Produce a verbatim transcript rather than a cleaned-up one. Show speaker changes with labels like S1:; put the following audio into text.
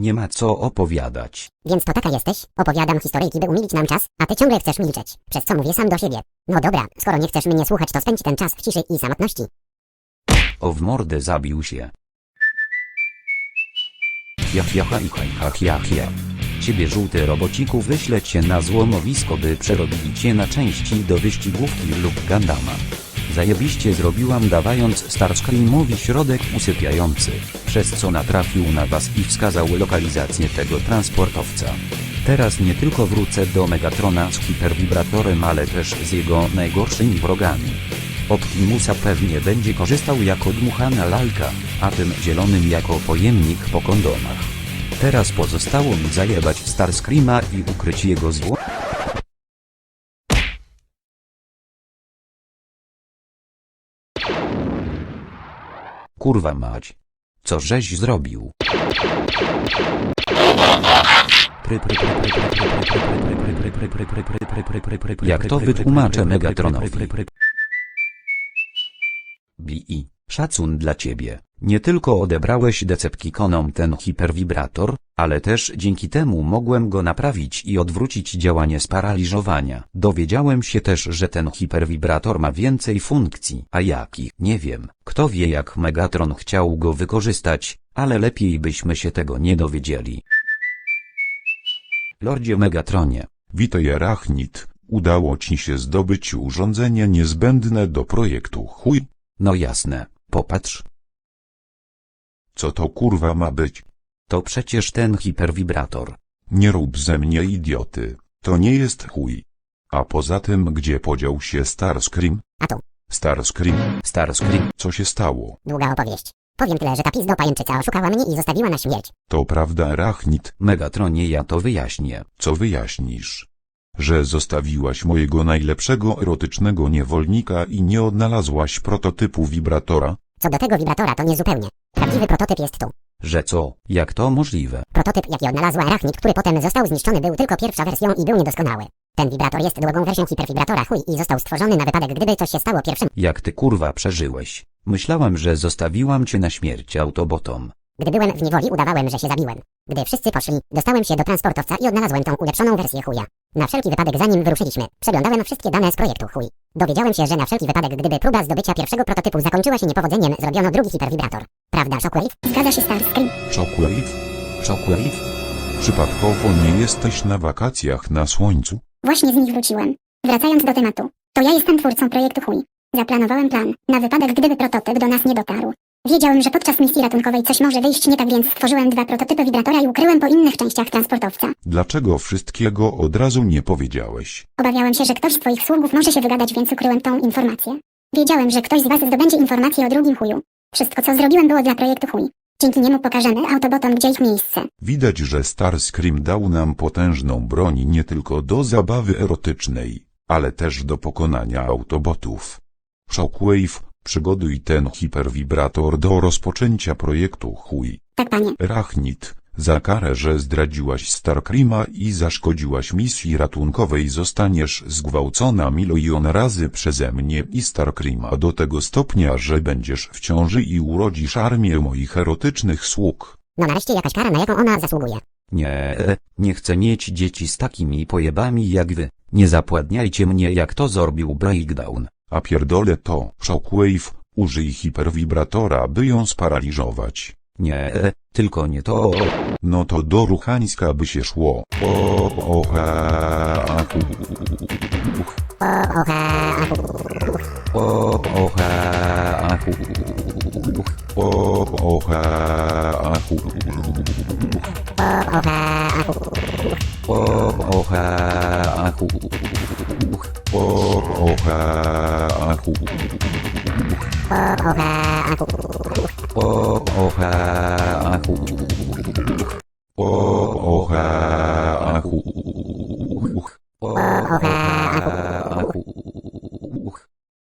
S1: Nie ma co opowiadać.
S2: Więc to taka jesteś? Opowiadam historyjki, by umilić nam czas, a ty ciągle chcesz milczeć. Przez co mówię sam do siebie. No dobra, skoro nie chcesz mnie słuchać, to spędź ten czas w ciszy i samotności.
S1: O w mordę zabił się. Jach jacha i haj hach jach ja. Ciebie żółty robociku wyślę cię na złomowisko, by przerobili cię na części do wyścigówki lub Gundama. Zajebiście zrobiłam, dawając Starscreamowi środek usypiający, przez co natrafił na was i wskazał lokalizację tego transportowca. Teraz nie tylko wrócę do Megatrona z hiperwibratorem, ale też z jego najgorszymi wrogami. Optimusa pewnie będzie korzystał jako dmuchana lalka, a tym zielonym jako pojemnik po kondomach. Teraz pozostało mi zajebać Starscreama i ukryć jego zło. Kurwa mać. Co żeś zrobił? Jak to wytłumaczę Megatronowi? Bi, szacun dla ciebie. Nie tylko odebrałeś Decepticonom ten hiperwibrator, ale też dzięki temu mogłem go naprawić i odwrócić działanie sparaliżowania. Dowiedziałem się też, że ten hiperwibrator ma więcej funkcji, a jakich nie wiem. Kto wie, jak Megatron chciał go wykorzystać, ale lepiej byśmy się tego nie dowiedzieli. Lordzie Megatronie.
S3: Witaj Arachnid, udało ci się zdobyć urządzenie niezbędne do projektu chuj?
S1: No jasne, popatrz.
S3: Co to kurwa ma być?
S1: To przecież ten hiperwibrator.
S3: Nie rób ze mnie idioty, to nie jest chuj. A poza tym, gdzie podział się Starscream?
S2: A tu.
S3: Starscream,
S1: Starscream.
S3: co się stało?
S2: Długa opowieść. Powiem tyle, że ta pizdo pajęczyca oszukała mnie i zostawiła na śmierć.
S3: To prawda Arachnid,
S1: Megatronie, ja to wyjaśnię.
S3: co wyjaśnisz? Że zostawiłaś mojego najlepszego erotycznego niewolnika i nie odnalazłaś prototypu wibratora?
S2: Co do tego wibratora, to nie zupełnie. Prawdziwy prototyp jest tu.
S1: Że co? Jak to możliwe?
S2: Prototyp, jaki odnalazła Arachnid, który potem został zniszczony, był tylko pierwszą wersją i był niedoskonały. Ten wibrator jest drugą wersją hiperwibratora chuj i został stworzony na wypadek, gdyby coś się stało pierwszym.
S1: Jak ty kurwa przeżyłeś? Myślałem, że zostawiłam cię na śmierć autobotom.
S2: Gdy byłem w niewoli, udawałem, że się zabiłem. Gdy wszyscy poszli, dostałem się do transportowca i odnalazłem tą ulepszoną wersję chuja. Na wszelki wypadek, zanim wyruszyliśmy, przeglądałem wszystkie dane z projektu chuj. Dowiedziałem się, że na wszelki wypadek, gdyby próba zdobycia pierwszego prototypu zakończyła się niepowodzeniem, zrobiono drugi hiperwibrator. Prawda, Shockwave? Zgadza się, Starscream.
S3: Shockwave?
S1: Shockwave?
S3: Przypadkowo nie jesteś na wakacjach na słońcu?
S4: Właśnie z nich wróciłem. Wracając do tematu, to ja jestem twórcą projektu chuj. Zaplanowałem plan, na wypadek gdyby prototyp do nas nie dotarł. Wiedziałem, że podczas misji ratunkowej coś może wyjść nie tak, więc stworzyłem dwa prototypy wibratora i ukryłem po innych częściach transportowca.
S3: Dlaczego wszystkiego od razu nie powiedziałeś?
S4: Obawiałem się, że ktoś z twoich sługów może się wygadać, więc ukryłem tą informację. Wiedziałem, że ktoś z was zdobędzie informację o drugim chuju. Wszystko, co zrobiłem, było dla projektu chuj. Dzięki niemu pokażemy Autobotom, gdzie ich miejsce.
S3: Widać, że Starscream dał nam potężną broń nie tylko do zabawy erotycznej, ale też do pokonania Autobotów. Shockwave, przygotuj ten hiperwibrator do rozpoczęcia projektu chuj.
S4: Tak, panie.
S3: Arachnid, za karę, że zdradziłaś Starscreama i zaszkodziłaś misji ratunkowej, zostaniesz zgwałcona milion razy przeze mnie i Starscreama do tego stopnia, że będziesz w ciąży i urodzisz armię moich erotycznych sług.
S2: No nareszcie jakaś kara, na jaką ona zasługuje.
S1: Nie, nie chcę mieć dzieci z takimi pojebami jak wy. Nie zapładniajcie mnie, jak to zrobił Breakdown.
S3: A pierdolę to, Shockwave, użyj hiperwibratora, by ją sparaliżować.
S1: Nie, tylko nie to.
S3: No to do Ruchańska by się szło. O, o, ha, a, hu, uch.
S2: O, oha, ahu.
S1: O, oha, ahu.
S3: O, o, ha, a, hu,
S2: O, oha, ahu.
S1: O, oha, ahu.
S3: o, o, ha, a, hu,
S2: O, oha, ahu.
S1: O, oha, ahu.